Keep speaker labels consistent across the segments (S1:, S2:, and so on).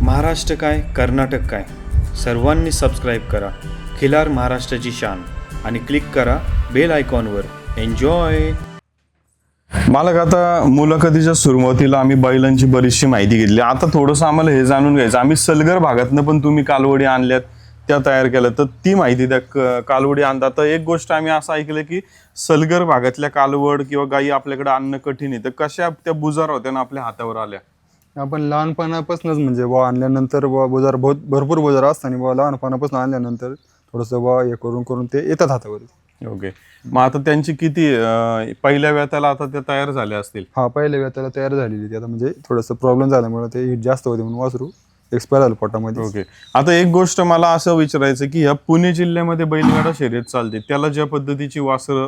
S1: महाराष्ट्र काय कर्नाटक काय सर्वांनी सबस्क्राईब करा खिलार महाराष्ट्राची शान आणि क्लिक करा बेल आयकॉनवर. एन्जॉय.
S2: मालक, आता मुलाखतीच्या सुरुवातीला आम्ही बैलांची बरीचशी माहिती घेतली. आता थोडंसं आम्हाला हे जाणून घ्यायचं, आम्ही सलगर भागातनं पण तुम्ही कालवडी आणल्यात, त्या तयार केल्या, तर ती माहिती द्या. कालवडी आणता तर एक गोष्ट आम्ही असं ऐकलं की सलगर भागातल्या कालवड किंवा गायी आपल्याकडे आणणं कठीण आहे, तर कशा त्या बुजार होत्या ना आपल्या हातावर आल्या?
S3: आपण लहानपणापासूनच म्हणजे आणल्यानंतर बुजार भरपूर बुजार असताना लहानपणापासून आणल्यानंतर थोडंसं हे करून ते येतात हातावर.
S2: ओके. मग आता त्यांची किती पहिल्या वेताला आता त्या तयार झाल्या असतील?
S3: हा, पहिल्या वेळेला तयार झालेली ती. आता म्हणजे थोडंसं प्रॉब्लेम झाल्यामुळे ते हीट जास्त होते म्हणून वासरू एक्सपायर झालं पोटामध्ये.
S2: ओके. आता एक गोष्ट मला असं विचारायचं की ह्या पुणे जिल्ह्यामध्ये बैलगाडा शर्यत चालते, त्याला ज्या पद्धतीची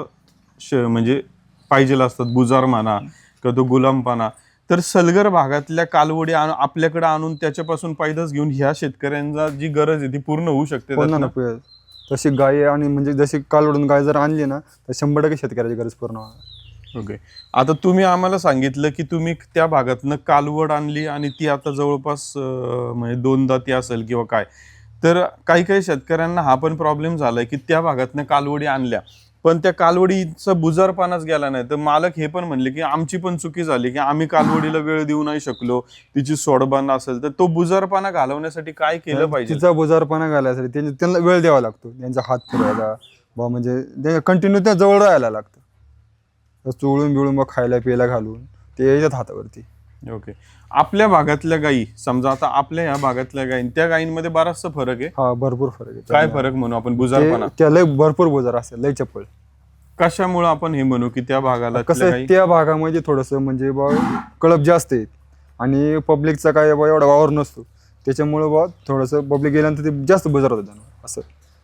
S2: वासरं म्हणजे पाहिजे असतात, बुजार म्हणा किंवा तो गुलामपाना, तर सलगर भागातल्या कालवडी आपल्याकडे आणून त्याच्यापासून पैदास घेऊन ह्या शेतकऱ्यांना जी गरज आहे ती पूर्ण होऊ शकते त्यातनं?
S3: तशी गाय आणि म्हणजे जशी कालवडून गाय जर आणली ना तर 100% शेतकऱ्याची गरज पूर्ण होणार.
S2: ओके. आता तुम्ही आम्हाला सांगितलं की तुम्ही त्या भागातनं कालवड आणली आणि ती आता जवळपास म्हणजे 2 दाती असेल किंवा काय, तर काही काही शेतकऱ्यांना हा पण प्रॉब्लेम झालाय की त्या भागातनं कालवडी आणल्या पण त्या कालवडीचा बुजारपणाच गेला नाही, तर मालक हे पण म्हणले की आमची पण चुकी झाली की आम्ही कालवडीला वेळ देऊ नाही शकलो, तिची सोडबान असेल, तर तो बुजारपणा घालवण्यासाठी काय केलं पाहिजे?
S3: तिचा बुजारपणा घालायसाठी त्यांना वेळ द्यावा लागतो, त्यांचा हात फिरवायला म्हणजे कंटिन्यू त्या जवळ राहायला लागतं, चोळून बिळून खायला प्यायला घालून ते येतात हातावरती.
S2: ओके. आपल्या भागातल्या गायी, समजा आता आपल्या ह्या भागातल्या गायी, त्या गायींमध्ये बराचसा फरक आहे?
S3: हा, भरपूर फरक आहे.
S2: काय फरक म्हणू आपण बुजारपणा?
S3: त्या लय भरपूर बुजार असते, लय चप्पल.
S2: कशामुळे आपण हे म्हणू की त्या भागाला
S3: कसं त्या भागामध्ये थोडस म्हणजे कळप जास्त आहेत आणि पब्लिकचा काय एवढा वावर नसतो, त्याच्यामुळे थोडस पब्लिक गेल्यानंतर ते जास्त बुजार होतं त्यांना असं.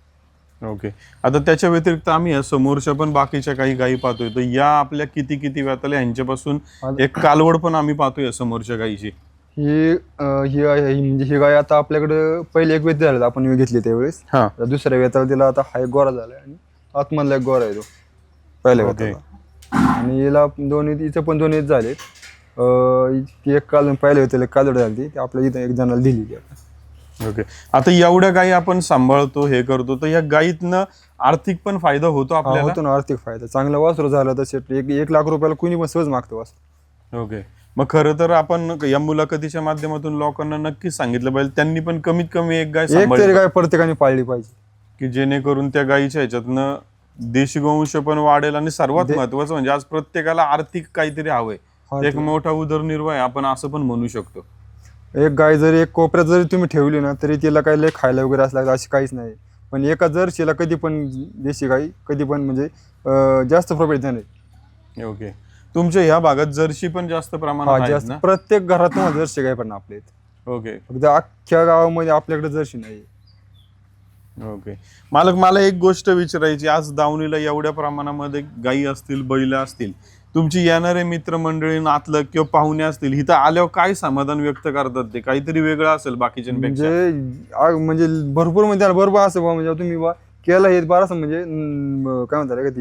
S2: ओके. आता त्याच्या व्यतिरिक्त आम्ही या समोरच्या पण बाकीच्या काही गायी पाहतोय, तर या आपल्या किती वेताला यांच्यापासून एक कालवड पण आम्ही पाहतोय समोरच्या गायीची.
S3: ही म्हणजे ही गाय आता आपल्याकडे पहिले एक वेत झाला आपण घेतली त्यावेळेस. दुसऱ्या वेताला तिला आता हा एक गोरा झालाय आणि आतमधला एक गोरा आहे तो पहिल्या वेताला, आणि हिला हिचं पण 2 वेत झाले. ती एक पहिल्या वेताला कालवड झाली, ती आपल्या इथं एक जणाला दिली.
S2: ओके. आता एवढ्या गायी आपण सांभाळतो, हे करतो, तर या गायीतनं आर्थिक पण फायदा होतो आपल्याला?
S3: होतो ना, आर्थिक फायदा. चांगलं वासरू झालं तर 1 लाख रुपयाला कुणी पण सहज मागतो वासरू.
S2: ओके. मग खरं तर आपण या मुलाखतीच्या माध्यमातून लोकांना नक्कीच सांगितलं पाहिजे त्यांनी पण कमीत कमी एक गाय
S3: तरी गाय प्रत्येकाने पाळली पाहिजे,
S2: की जेणेकरून त्या गायीच्या ह्याच्यातनं देशी गोवंश पण वाढेल आणि सर्वात महत्वाचं म्हणजे आज प्रत्येकाला आर्थिक काहीतरी हवंय, एक मोठा उदरनिर्वाह आपण असं पण म्हणू शकतो.
S3: एक गाय जरी एक कोपऱ्यात जरी तुम्ही ठेवली ना तरी तिला काही लय खायला वगैरे असला अशी काहीच नाही, पण एका जर्सीला कधी पण देशी गाई कधी पण म्हणजे जास्त प्रॉफिट नाही.
S2: ओके. तुमच्या ह्या भागात जर्सी पण जास्त प्रमाणात आहेत ना?
S3: प्रत्येक घरात तुम्हाला जर्सी गाय पण आपल्या इथे.
S2: ओके.
S3: फक्त अख्ख्या गावामध्ये आपल्याकडे जर्सी नाही.
S2: ओके. मालक, मला एक गोष्ट विचारायची, आज दावणीला एवढ्या प्रमाणामध्ये गायी असतील, बैल असतील, तुमची येणारे मित्रमंडळी, नातलग किंवा पाहुणे असतील, इथं आल्यावर काय समाधान व्यक्त करतात? ते काहीतरी वेगळं असेल बाकीच्यांपेक्षा?
S3: म्हणजे भरपूर म्हणजे बरोबर असं म्हणजे तुम्ही केलं हे बरं म्हणजे काय म्हणतात का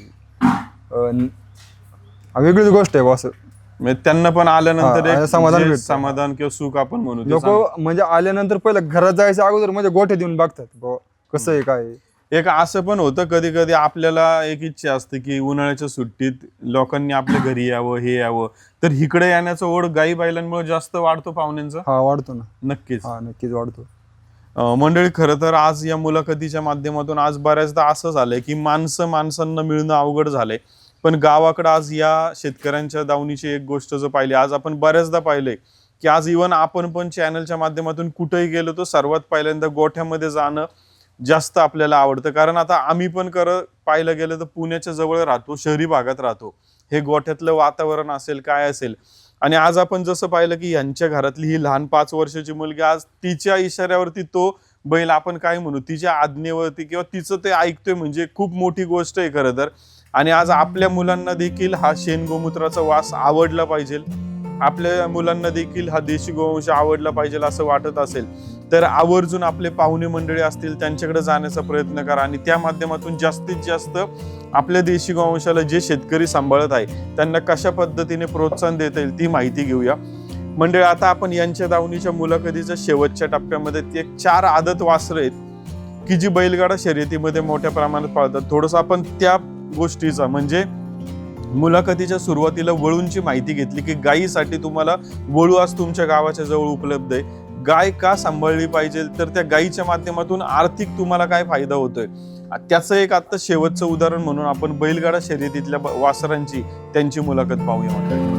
S3: ती वेगळीच गोष्ट आहे असं.
S2: म्हणजे त्यांना पण आल्यानंतर एक
S3: समाधान
S2: समाधान किंवा सुख आपण म्हणू.
S3: लोक म्हणजे आल्यानंतर पहिलं घरात जायचं अगोदर म्हणजे गोठे देऊन बघतात कसं आहे काय.
S2: एक असं पण होतं कधी कधी आपल्याला एक इच्छा असते की उन्हाळ्याच्या सुट्टीत लोकांनी आपल्या घरी यावं, हे यावं, तर इकडे येण्याचा ओढ गाई बैलांमुळे जास्त वाढतो पाहुण्यांचा?
S3: हा, वाढतो ना.
S2: नक्कीच
S3: वाढतो.
S2: मंडळी, खरं तर आज या मुलाखतीच्या माध्यमातून आज बऱ्याचदा असं झालंय की माणसांना मिळणं अवघड झालंय, पण गावाकडे आज या शेतकऱ्यांच्या दावणीची एक गोष्ट जर पाहिली, आज आपण बऱ्याचदा पाहिलंय की आज इव्हन आपण पण चॅनलच्या माध्यमातून कुठेही गेलो तर सर्वात पहिल्यांदा गोठ्यामध्ये जाणं जास्त आपल्याला आवडतं. कारण आता आम्ही पण पाहिलं गेलं तर पुण्याच्या जवळ राहतो, शहरी भागात राहतो, हे गोठ्यातलं वातावरण असेल काय असेल, आणि आज आपण जसं पाहिलं की यांच्या घरातली ही लहान 5 वर्षाची मुलगी आज तिच्या इशाऱ्यावरती तो बैल, आपण काय म्हणू, तिच्या आज्ञेवरती किंवा तिचं ते ऐकतोय, म्हणजे खूप मोठी गोष्ट आहे खरं तर. आणि आज आपल्या मुलांना देखील हा शेण गोमूत्राचा वास आवडला पाहिजे, आपल्या मुलांना देखील हा देशी गोवंश आवडला पाहिजे असं वाटत असेल तर आवर्जून आपले पाहुणे मंडळी असतील त्यांच्याकडे जाण्याचा प्रयत्न करा आणि त्या माध्यमातून जास्तीत जास्त आपल्या देशी गोवंशाला जे शेतकरी सांभाळत आहे त्यांना कशा पद्धतीने प्रोत्साहन देता येईल ती माहिती घेऊया. मंडळी, आता आपण यांच्या दावणीच्या मुलाखतीच्या शेवटच्या टप्प्यामध्ये ते 4 आदत वासरं आहेत की जी बैलगाडा शर्यतीमध्ये मोठ्या प्रमाणात पाळतात. थोडंसं आपण त्या गोष्टीचा म्हणजे मुलाखतीच्या सुरुवातीला वळूंची माहिती घेतली की गायीसाठी तुम्हाला वळू आज तुमच्या गावाच्या जवळ उपलब्ध आहे. गाय का सांभाळली पाहिजे, तर त्या गायीच्या माध्यमातून आर्थिक तुम्हाला काय फायदा होतोय त्याचं एक आता शेवटचं उदाहरण म्हणून आपण बैलगाडा शर्यतीतल्या वासरांची त्यांची मुलाखत पाहूया मंडळी.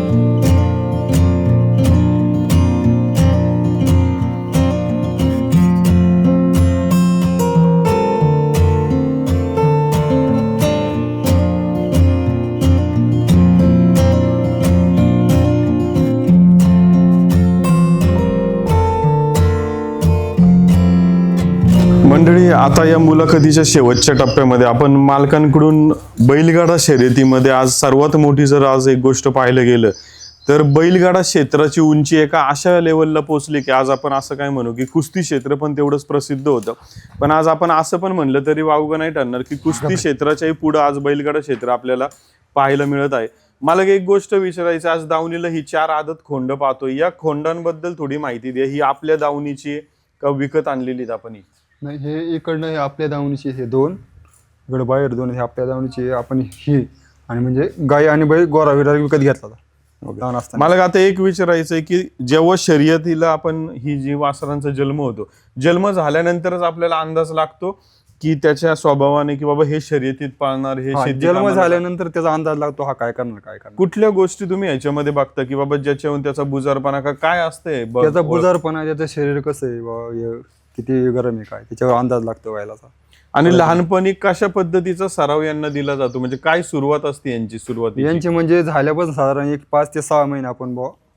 S2: मंडळी, आता या मुलाखतीच्या शेवटच्या टप्प्यामध्ये आपण मालकांकडून बैलगाडा शर्यतीमध्ये आज सर्वात मोठी जर आज एक गोष्ट पाहायला गेलं तर बैलगाडा क्षेत्राची उंची एका अशा लेवलला पोहोचली की आज आपण असं काय म्हणू की कुस्ती क्षेत्र पण तेवढंच प्रसिद्ध होतं. पण आज आपण असं पण म्हणलं तरी वावगं नाही ठरणार की कुस्ती क्षेत्राच्याही पुढं आज बैलगाडा क्षेत्र आपल्याला पाहायला मिळत आहे. मला एक गोष्ट विचारायची, आज दावणीला ही 4 आदत खोंड पाहतोय, या खोंडांबद्दल थोडी माहिती द्या. ही आपल्या दावणीची का विकत आणलेली आपण?
S3: नाही, हे इकडनं हे आपल्या दावणीचे हे 2, इकडं बाहेर 2 हे आपल्या दावणीचे, आपण ही आणि म्हणजे गाय आणि बैल गोरा विरा विकत घेतला लहान असताना.
S2: मला आता एक विचारायचंय की जेव्हा शर्यतीला आपण ही जी वासरांचा जन्म होतो, जन्म झाल्यानंतरच आपल्याला अंदाज लागतो की त्याच्या स्वभावाने की बाबा हे शर्यतीत पाळणार, हे शेती
S3: जन्म झाल्यानंतर त्याचा अंदाज लागतो हा काय करणार.
S2: कुठल्या गोष्टी तुम्ही याच्यामध्ये बघता की बाबा ज्याच्याहून त्याचा बुजारपणा काय असतंय,
S3: त्याचा बुजारपणा, त्याचं शरीर कसं आहे, किती गरम आहे काय, त्याच्यावर अंदाज लागतो व्हायलाचा.
S2: आणि लहानपणी कशा पद्धतीचा सराव यांना दिला जातो, म्हणजे काय सुरुवात असते यांची?
S3: यांची म्हणजे झाल्यापासून साधारण एक 5 ते 6 महिने आपण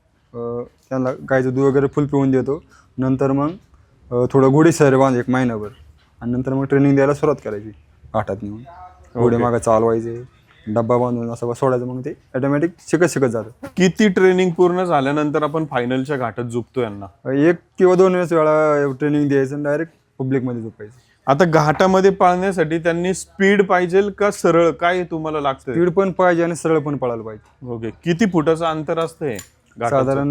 S3: त्यांना गायचं दूध वगैरे फुल पिऊन देतो. नंतर मग थोडं घोडी सैर बांध 1 महिनाभर आणि नंतर मग ट्रेनिंग द्यायला सुरुवात करायची. घाटात नेऊन घोडे मागं चालवायचे, डब्बा बांधून असं सोडायचं, मग ते ऑटोमॅटिक शिकत जातं.
S2: किती ट्रेनिंग पूर्ण झाल्यानंतर आपण फायनलच्या घाटात झुकतो यांना?
S3: 1 किंवा 2 वेळा ट्रेनिंग द्यायचं, डायरेक्ट पब्लिकमध्ये झोपायचं.
S2: आता घाटामध्ये पाळण्यासाठी त्यांनी स्पीड पाहिजे का सरळ, काय तुम्हाला लागतं?
S3: स्पीड पण पाहिजे आणि सरळ पण पळायला पाहिजे.
S2: ओके. किती फुटाचं अंतर असतंय?
S3: साधारण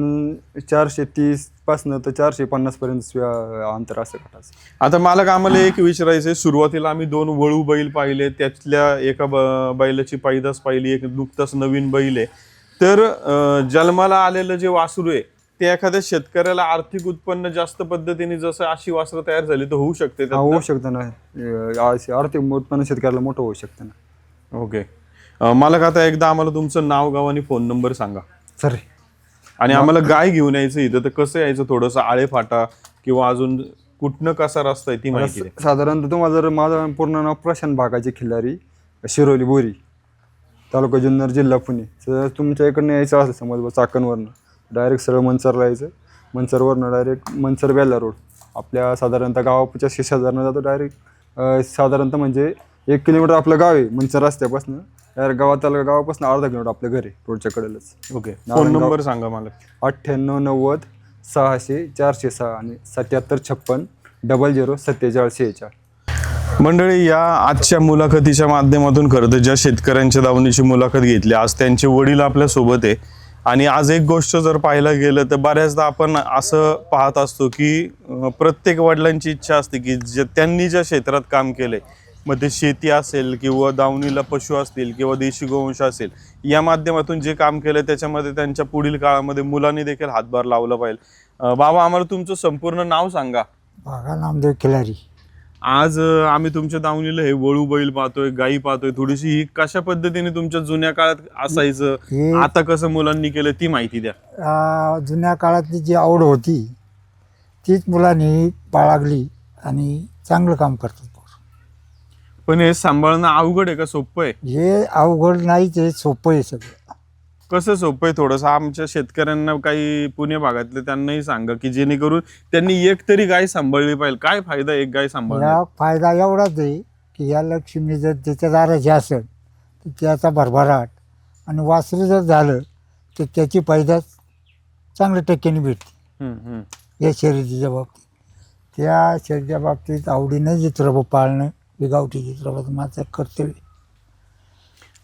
S3: 430 पासून तर 450 पर्यंत अंतर असतं घाटाचं.
S2: आता मला आम्हाला एक विचारायचंय, सुरुवातीला आम्ही 2 वळू बैल पाहिले, त्यातल्या एका बैलाची पैदास पाहिली, एक नुकताच नवीन बैल आहे. तर जन्माला आलेलं जे वासरू आहे ते एखाद्या शेतकऱ्याला आर्थिक उत्पन्न जास्त पद्धतीने जसं अशी वासरं तयार झाली तर होऊ शकते?
S3: होऊ शकतं ना, आर्थिक उत्पन्न शेतकऱ्याला मोठं होऊ शकतं ना.
S2: ओके. मला आता एकदा आम्हाला तुमचं नाव, गाव आणि फोन नंबर सांगा
S3: सर.
S2: आणि आम्हाला गाय घेऊन यायचं इथं तर कसं यायचं, थोडंसं आळेफाटा किंवा अजून कुठनं कसा रस्ता आहे ती माहिती द्या.
S3: साधारणतः तुम्हाला जर माझं पूर्ण नाव प्रशांत भागाची खिल्लारी, शिरोली बोरी, तालुका जुन्नर, जिल्हा पुणे. तर तुमच्या इकडनं यायचं असं समज चाकणवरनं डायरेक्ट सरळ मनसरला यायचं, मनसरवरनं डायरेक्ट मनसर बेल्ला रोड आपल्या साधारणतः गावाच्या शेजारनं जातो. डायरेक्ट साधारणतः म्हणजे 1 किलोमीटर आपलं गाव आहे मनसर रस्त्यापासून. डायरेक्ट गावापासून अर्धा किलोमीटर आपलं घर आहे रोडच्या कडेलाच.
S2: ओके. फोन नंबर सांगा मला.
S3: 98 90 600 406 आणि 77 56 00 47 46.
S2: मंडळी, या आजच्या मुलाखतीच्या माध्यमातून खरं तर ज्या शेतकऱ्यांच्या दावणीची मुलाखत घेतली, आज त्यांचे वडील आपल्या सोबत आहे. आणि आज एक गोष्ट जर पाहायला गेलं तर बऱ्याचदा आपण असं पाहत असतो की प्रत्येक वडिलांची इच्छा असते की त्यांनी ज्या क्षेत्रात काम केलंय, मग ते शेती असेल किंवा दावणीला पशु असतील किंवा देशी गोवंश असेल, या माध्यमातून जे काम केलं त्याच्यामध्ये त्यांच्या पुढील काळामध्ये मुलांनी देखील हातभार लावला पाहिजे. बाबा, आम्हाला तुमचं संपूर्ण नाव सांगा.
S4: भागा नामदेव खिलारी.
S2: आज आम्ही तुमच्या दावणीला हे वळू बैल पाहतोय, गायी पाहतोय, थोडीशी ही कशा पद्धतीने तुमच्या जुन्या काळात असायचं, आता कसं मुलांनी केलं ती माहिती द्या.
S4: जुन्या काळातली जी आवड होती तीच मुलांनी बाळगली आणि चांगलं काम करतात.
S2: पण हे सांभाळणं अवघड आहे का सोपं आहे?
S4: हे अवघड नाही, ते सोपं आहे सगळं.
S2: कसं सोपं आहे? थोडंसं आमच्या शेतकऱ्यांना, काही पुणे भागातले त्यांनाही सांगा की जेणेकरून त्यांनी एक तरी गाय सांभाळली पाहिजे. काय फायदा एक गाय सांभाळण्यात?
S4: या फायदा एवढाच आहे की या लक्ष्मी जर त्याच्या दाराची असेल तर त्याचा भरभराट, आणि वासरू जर झालं तर त्याची पैदास चांगल्या टक्क्याने भेटते. या शर्यतीच्या बाबतीत, त्या शर्यतीच्या बाबतीत आवडीनं चित्रपट पाळणं हे गावठी चित्रपट माझं कर्तव्य.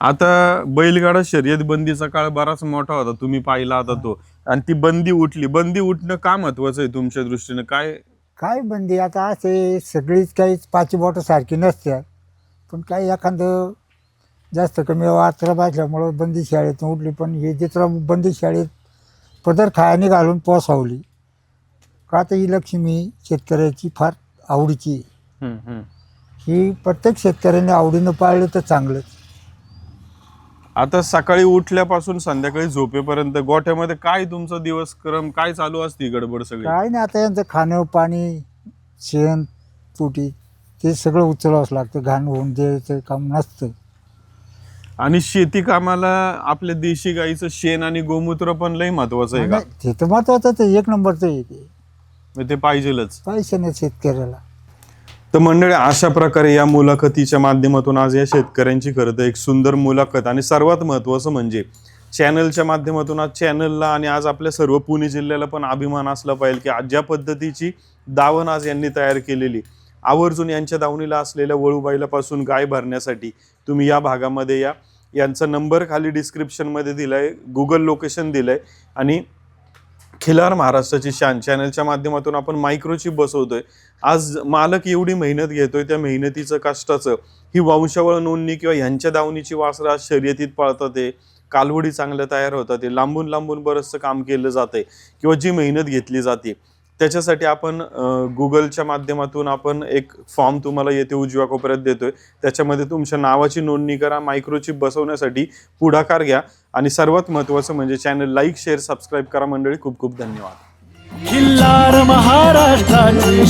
S2: आता बैलगाडा शर्यत बंदीचा काळ बराच मोठा होता, तुम्ही पाहिला आता तो, आणि ती बंदी उठली. बंदी उठणं का महत्वाचं आहे तुमच्या दृष्टीने?
S4: काय बंदी आता असे सगळीच काही पाची बोटं सारखी नसतात, पण काही एखादं जास्त कमी वाचरा भाजल्यामुळं बंदी शाळेतून उठली. पण हे जिथं बंदी शाळेत पदर खायाने घालून पोसावली का, आता ही लक्ष्मी शेतकऱ्याची फार आवडीची आहे. ही प्रत्येक शेतकऱ्याने आवडीनं पाळलं तर चांगलंच.
S2: आता सकाळी उठल्यापासून संध्याकाळी झोपेपर्यंत गोठ्यामध्ये काय तुमचा दिवसक्रम काय चालू असते, गडबड सगळी?
S4: काय नाही, आता यांचं खाणं पाणी शेण तुटी ते सगळं उचलावंच लागतं, घाण होऊन द्यायचं काम नसतं.
S2: आणि शेती कामाला आपल्या देशी गाईचं शेण आणि गोमूत्र पण लय महत्वाचं आहे का?
S4: ते तर महत्वाचं आहे, एक नंबरचं आहे ते,
S2: मग ते पाहिजेलच.
S4: पैसे नाही शेतकऱ्याला.
S2: तर मंडळी, अशा प्रकारे या मुलाखतीच्या माध्यमातून आज या शेतकऱ्यांची खरं तर एक सुंदर मुलाखत, आणि सर्वात महत्त्वाचं म्हणजे चॅनलच्या माध्यमातून आज चॅनलला आणि आज आपल्या सर्व पुणे जिल्ह्याला पण अभिमान असला पाहिजे की आज ज्या पद्धतीची दावण आज यांनी तयार केलेली, आवर्जून यांच्या दावणीला असलेल्या वळूबाईलापासून गाय भरण्यासाठी तुम्ही या भागामध्ये या. यांचा नंबर खाली डिस्क्रिप्शनमध्ये दिलाय, गुगल लोकेशन दिलंय, आणि खिलार महाराष्ट्राची शान चॅनलच्या माध्यमातून आपण मायक्रोचिप बसवतोय. आज मालक एवढी मेहनत घेतोय, त्या मेहनतीचं कष्टाचं ही वंशावळ नोंदणी किंवा ह्यांच्या दावणीची वासरं आज शर्यतीत पळतात, ते कालवडी चांगल्या तयार होतात, ते लांबून लांबून बरंचसं काम केलं जातंय किंवा जी मेहनत घेतली जाते त्याच्यासाठी आपण गुगलच्या माध्यमातून आपण एक फॉर्म तुम्हाला येथे उजव्या कोपऱ्यात देतोय. त्याच्यामध्ये तुमच्या नावाची नोंदणी करा, मायक्रोचिप बसवण्यासाठी पुढाकार घ्या, आणि सर्वात महत्त्वाचं म्हणजे चॅनल लाईक शेअर सबस्क्राईब करा. मंडळी, खूप खूप धन्यवाद.
S5: खिल्लार महाराष्ट्राची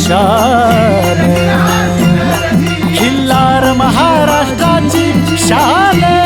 S5: शान, खिल्लार महाराष्ट्राची शान.